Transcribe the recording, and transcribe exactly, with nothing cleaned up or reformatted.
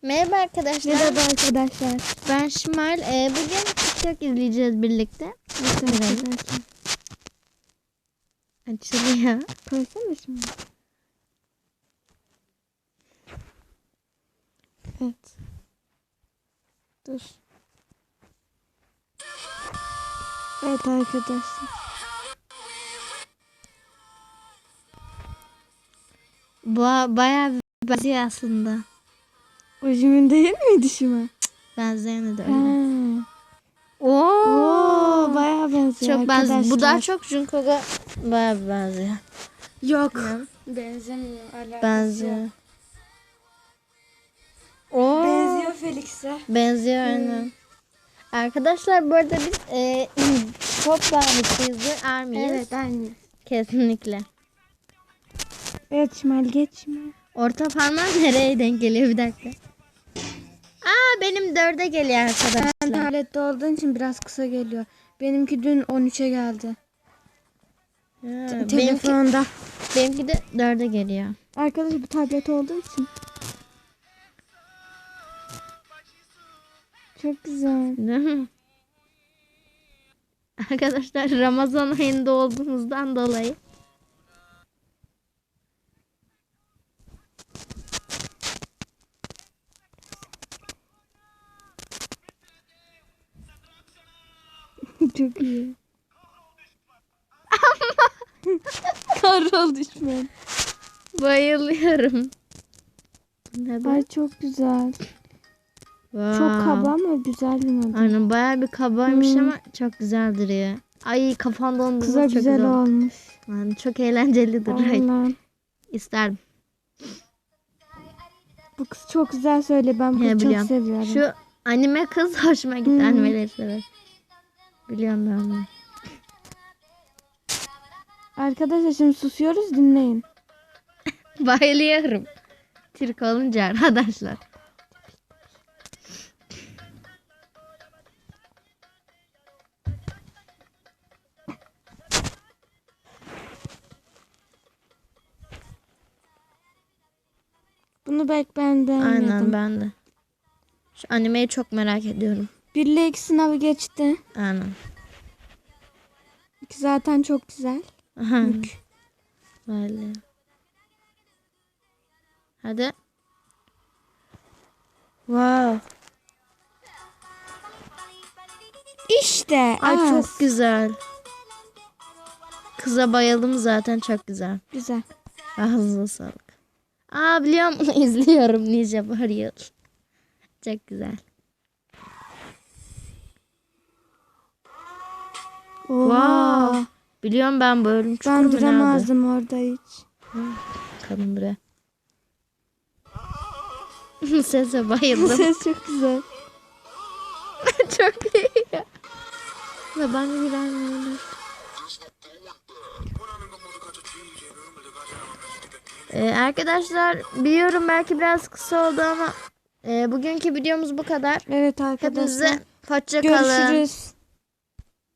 Merhaba arkadaşlar. Merhaba arkadaşlar. Ben Şimal. Ee, bugün TikTok izleyeceğiz birlikte. Arkadaşlar. Açılıyor. Koysana şimdi. Evet. Dur. Evet arkadaşlar. Bu bayağı bir benziyor aslında. Ojimin değil miydi Şimal? Benzeyeni de Ha. öyle. Oo, Oo, bayağı benziyor çok arkadaşlar. benziyor. Bu daha çok Jungkook'a bayağı bir benziyor. Yok. Ya. Benzemiyor. Alakası Benziyor. yok. Oo. Benziyor Felix'e. Benziyor aynen. Arkadaşlar bu arada biz e, pop bağımlısıyız. Army'yiz. Evet aynı. Kesinlikle. Evet Şimal geç Şimal. Orta parmağım nereye denk geliyor bir dakika. Aa benim dörde geliyor arkadaşlar. Sen tablette olduğun için biraz kısa geliyor. Benimki dün on üçe geldi. Ha, benimki, Telefonda. benimki de dörde geliyor. Arkadaşlar bu tablet olduğu için. Çok güzel. Değil mi? Arkadaşlar Ramazan ayında olduğumuzdan dolayı. Çok iyi. Karol düşman. Bayılıyorum. Ne bu? Ay çok güzel. Wow. Çok kaba ama güzel bir model. Aynen bayağı bir kabaymış Hmm. ama çok güzel duruyor. Ay kafan dondu. Kıza çok güzel olmuş. Yani çok eğlenceli duruyor. Aynen. İsterdim. Bu kız çok güzel söyle. Ben bunu He, çok biliyorum. seviyorum. Şu anime kız hoşuma gitti. Hmm. Animeleri sever. Biliyorum ben onu. Arkadaşlar şimdi susuyoruz, dinleyin. Bayılıyorum. Türk olunca arkadaşlar. Bunu belki ben beğenmedim. Aynen ben de. Şu animeyi çok merak ediyorum. Bir ile iki sınavı geçti. Aynen. İki zaten çok güzel. Aha. Mük. Böyle. Hadi. Wow. İşte. Ay az. çok güzel. Kıza bayıldım zaten, çok güzel. Güzel. Ağzına sağlık. Aa biliyorum bunu izliyorum Ninja Warrior. Çok güzel. Oha. Wow. Biliyorum ben bu ölüm çukuru Ben mu nerede? duramazdım orada hiç. Kadın buraya. Sese bayıldım. Ses çok güzel. Çok iyi. Ve ben de bilen Ee, arkadaşlar biliyorum belki biraz kısa oldu ama e, bugünkü videomuz bu kadar. Evet arkadaşlar. Hepinize hoşça kalın. Görüşürüz.